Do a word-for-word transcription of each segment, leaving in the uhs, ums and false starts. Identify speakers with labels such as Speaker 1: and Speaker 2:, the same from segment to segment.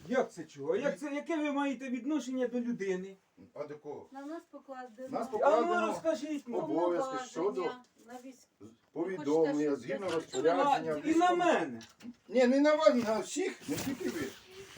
Speaker 1: Як це чого? Як це, яке ви маєте відношення до людини?
Speaker 2: А до кого?
Speaker 3: На нас покладено
Speaker 2: Нас
Speaker 1: А ну
Speaker 2: покладено
Speaker 1: розкажіть мені.
Speaker 2: обов'язки щодо
Speaker 3: повноваження на військ.
Speaker 2: повідомлення,
Speaker 3: Хочете,
Speaker 2: згідно
Speaker 3: щоб-
Speaker 2: розпорядження.
Speaker 1: А, і на мене.
Speaker 2: Ні, не на вас, на всіх, не тільки ви.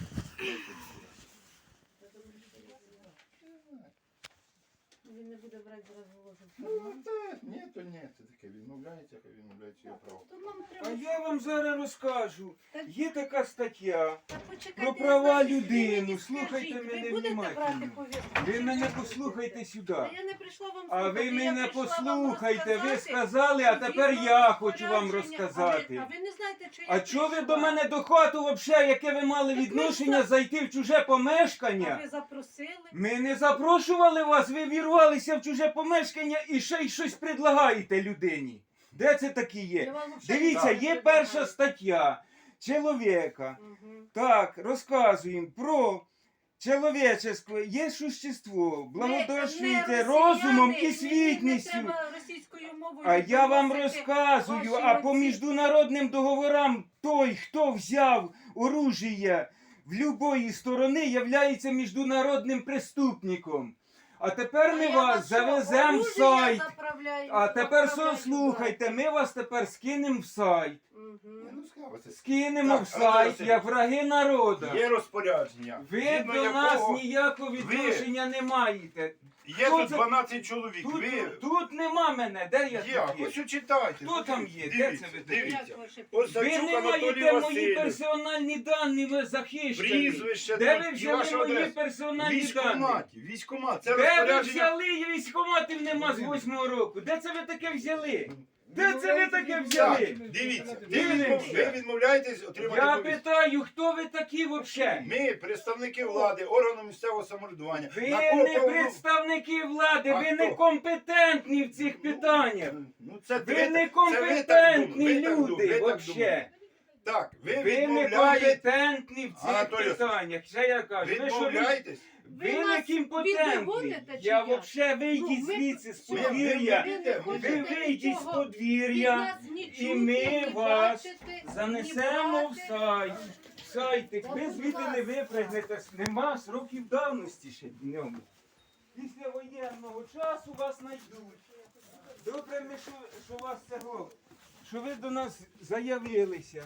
Speaker 3: Він не буде брати зразу ложу.
Speaker 2: Ну, та, ні, то ні, це таке відмовляється, хай відмовляється його право.
Speaker 3: То нам
Speaker 1: А
Speaker 3: треба...
Speaker 1: я вам зараз розкажу. Є така стаття
Speaker 3: Та почекайте,
Speaker 1: про
Speaker 3: я
Speaker 1: права
Speaker 3: знаю, ви
Speaker 1: людини.
Speaker 3: мені
Speaker 1: Слухайте
Speaker 3: скажіть,
Speaker 1: мене
Speaker 3: ви будете брати
Speaker 1: внимательно.
Speaker 3: повістку?
Speaker 1: Ви
Speaker 3: чи
Speaker 1: мене
Speaker 3: ні?
Speaker 1: послухайте сюди.
Speaker 3: Та я не прийшла вам
Speaker 1: А
Speaker 3: слухати,
Speaker 1: ви
Speaker 3: я
Speaker 1: мене
Speaker 3: прийшла вам
Speaker 1: послухайте, ви
Speaker 3: розказати,
Speaker 1: сказали, а
Speaker 3: що
Speaker 1: тепер
Speaker 3: згідно
Speaker 1: я хочу вам
Speaker 3: розпорядження-
Speaker 1: розказати.
Speaker 3: А ви, а ви не знаєте, чи я
Speaker 1: А чого ви
Speaker 3: прийшла?
Speaker 1: до мене до хату взагалі, яке ви мали
Speaker 3: Так ви
Speaker 1: відношення
Speaker 3: за-
Speaker 1: зайти в чуже
Speaker 3: А
Speaker 1: помешкання?
Speaker 3: ви запросили?
Speaker 1: Ми не запрошували вас, ви вірвалися в чуже помешкання і ще й щось предлагаєте людині. Де це такі
Speaker 3: Я
Speaker 1: є?
Speaker 3: вам взагалі
Speaker 1: Дивіться,
Speaker 3: не
Speaker 1: є
Speaker 3: предлагаю.
Speaker 1: перша стаття чоловіка.
Speaker 3: Мгм.
Speaker 1: Так, розказуємо про чоловічество, є существо, благодошуйте
Speaker 3: Ви не
Speaker 1: розумом
Speaker 3: росіяни,
Speaker 1: і світністю.
Speaker 3: Не треба російською мовою
Speaker 1: А я вам
Speaker 3: доносити
Speaker 1: розказую,
Speaker 3: ваші
Speaker 1: а по
Speaker 3: оці-
Speaker 1: міжнародним договорам той, хто взяв оружие в любої сторони, являється міжнародним преступником. А тепер ми
Speaker 3: А я
Speaker 1: вас
Speaker 3: що,
Speaker 1: завеземо в
Speaker 3: оружие
Speaker 1: сайт.
Speaker 3: заправляю,
Speaker 1: А тепер
Speaker 3: заправляю
Speaker 1: слухайте, ми вас тепер скинемо в сайт.
Speaker 3: туди? Мгм.
Speaker 2: Ну, скажете.
Speaker 1: Скинемо
Speaker 2: Так,
Speaker 1: в
Speaker 2: Анатолій
Speaker 1: сайт,
Speaker 2: Васильович,
Speaker 1: як враги народу.
Speaker 2: Є розпорядження.
Speaker 1: Ви
Speaker 2: згідно
Speaker 1: до нас
Speaker 2: якого
Speaker 1: ніякого відношення не маєте.
Speaker 2: Є
Speaker 1: Хто
Speaker 2: тут
Speaker 1: це-
Speaker 2: дванадцять чоловік.
Speaker 1: Тут,
Speaker 2: Ви
Speaker 1: тут нема мене, де я
Speaker 2: є,
Speaker 1: тут є?
Speaker 2: ось читайте.
Speaker 1: Хто там є? Де
Speaker 2: Дивіться,
Speaker 1: це ви такі?
Speaker 2: Дивіться.
Speaker 3: Як ваше
Speaker 2: Ось
Speaker 1: Ви
Speaker 2: Савчук
Speaker 1: не
Speaker 2: Анатолій
Speaker 1: маєте мої
Speaker 2: Васильович.
Speaker 1: персональні дані, ви захищені.
Speaker 2: Прізвище
Speaker 1: Де
Speaker 2: тут
Speaker 1: ви
Speaker 2: і
Speaker 1: взяли
Speaker 2: ваша
Speaker 1: мої
Speaker 2: адреса.
Speaker 1: персональні дані?
Speaker 2: Військкоматі, військкомат. Це
Speaker 1: Де ви
Speaker 2: розпорядження.
Speaker 1: взяли? Військкоматів нема з восьмого року. Де це ви таке взяли? Де це ви таке
Speaker 2: Так,
Speaker 1: взяли?
Speaker 2: дивіться, ви,
Speaker 1: Дивимося.
Speaker 2: відмов- ви відмовляєтесь отримати
Speaker 1: Я
Speaker 2: повістку.
Speaker 1: питаю, хто ви такі взагалі?
Speaker 2: Ми, представники влади, органу місцевого самоврядування.
Speaker 1: Ви
Speaker 2: на кого
Speaker 1: не
Speaker 2: повно-
Speaker 1: представники влади,
Speaker 2: А
Speaker 1: ви
Speaker 2: хто?
Speaker 1: некомпетентні в цих питаннях.
Speaker 2: Ну, це
Speaker 1: Ви
Speaker 2: це так
Speaker 1: некомпетентні
Speaker 2: думаєте, ви так
Speaker 1: люди
Speaker 2: думаєте, ви так
Speaker 1: взагалі.
Speaker 2: думаєте. Так, ви
Speaker 1: Ви
Speaker 2: відмовляєте,
Speaker 1: некомпетентні в цих
Speaker 2: Анатолій
Speaker 1: питаннях. Ще я кажу, ви що ви?
Speaker 2: відмовляєтесь.
Speaker 1: Ви
Speaker 3: Ви нас
Speaker 1: некомпетентні.
Speaker 3: відводите чи
Speaker 1: Я
Speaker 3: як?
Speaker 1: взагалі вийдіть
Speaker 3: Ну, ви-
Speaker 1: звідси з
Speaker 2: Ви- ви-
Speaker 1: подвір'я.
Speaker 2: ви-
Speaker 3: не
Speaker 2: ви-
Speaker 3: хочете
Speaker 1: Ви вийдіть з
Speaker 3: нічого від
Speaker 1: подвір'я.
Speaker 3: нас ні
Speaker 1: І
Speaker 3: чути,
Speaker 1: ми
Speaker 3: ні
Speaker 1: вас
Speaker 3: бачити,
Speaker 1: занесемо
Speaker 3: ні
Speaker 1: в
Speaker 3: брати.
Speaker 1: сайт. В сайті.
Speaker 3: От,
Speaker 1: Ви
Speaker 3: будь
Speaker 1: звідти не
Speaker 3: ласка.
Speaker 1: випрягнете. Нема сроків давності ще в ньому. Після воєнного часу вас знайдуть. Добре, ми, що, що вас цього, що ви до нас заявилися.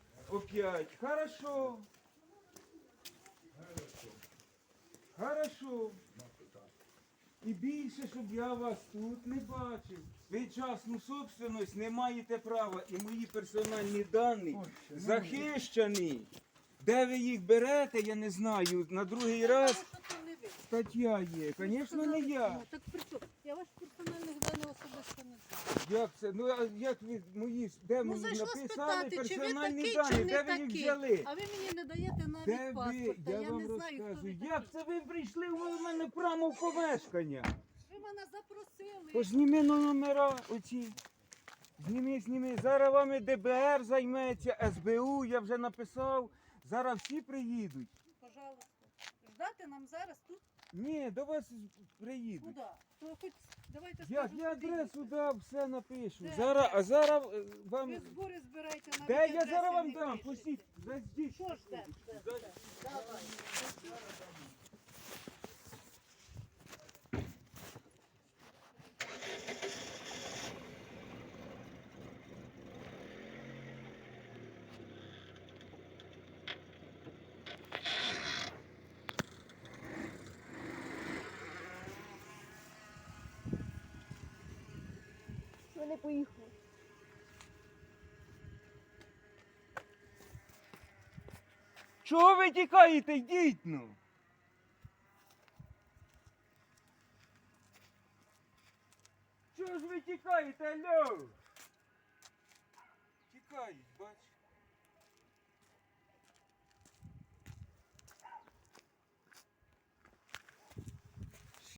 Speaker 1: Опять. Хорошо. Хорошо. І більше, щоб я вас тут не бачив. Ви частну собственність не маєте права. І мої персональні дані захищені. Де ви їх берете, я не знаю. На другий раз
Speaker 3: Що то не ви?
Speaker 1: стаття є. Звісно, не я.
Speaker 3: Ну, так при чому? Я ваших персональних даних особисто не знаю.
Speaker 1: Як це? Ну а як ви мої де
Speaker 3: Ну
Speaker 1: мені
Speaker 3: зайшла
Speaker 1: написали
Speaker 3: спитати, чи ви
Speaker 1: персональні
Speaker 3: такий,
Speaker 1: дані?
Speaker 3: чи
Speaker 1: Де
Speaker 3: не
Speaker 1: ви їх
Speaker 3: такий.
Speaker 1: взяли?
Speaker 3: А ви мені не даєте навіть
Speaker 1: Де ви?
Speaker 3: паспорта.
Speaker 1: Я
Speaker 3: Я,
Speaker 1: вам
Speaker 3: не знаю, хто ви
Speaker 1: розказую.
Speaker 3: такий.
Speaker 1: Як це ви прийшли у мене прямо в помешкання?
Speaker 3: Ви мене запросили.
Speaker 1: То зніми на номера оці. Зніми, зніми. Зараз вами Д Б Р займеться, С Б У, я вже написав. Зараз всі приїдуть.
Speaker 3: Пожалуйста. Ждати нам зараз тут?
Speaker 1: Ні, до вас приїдуть.
Speaker 3: Куди? То хоч давайте
Speaker 1: Я,
Speaker 3: скажу,
Speaker 1: я
Speaker 3: куди
Speaker 1: адресу
Speaker 3: їхати.
Speaker 1: дав, все напишу.
Speaker 3: Де?
Speaker 1: Зараз, а зараз е, вам.
Speaker 3: Ви збори збираєте навіть
Speaker 1: Де я
Speaker 3: адреси
Speaker 1: зараз вам
Speaker 3: не
Speaker 1: дам?
Speaker 3: пишете.
Speaker 1: Пустіть, зайдіть.
Speaker 3: Що ж де? Де? Де? Давай.
Speaker 4: Вони поїхали.
Speaker 1: Чого ви тікаєте? Йдіть ну. Чого ж ви тікаєте, алло? Тікають, бач.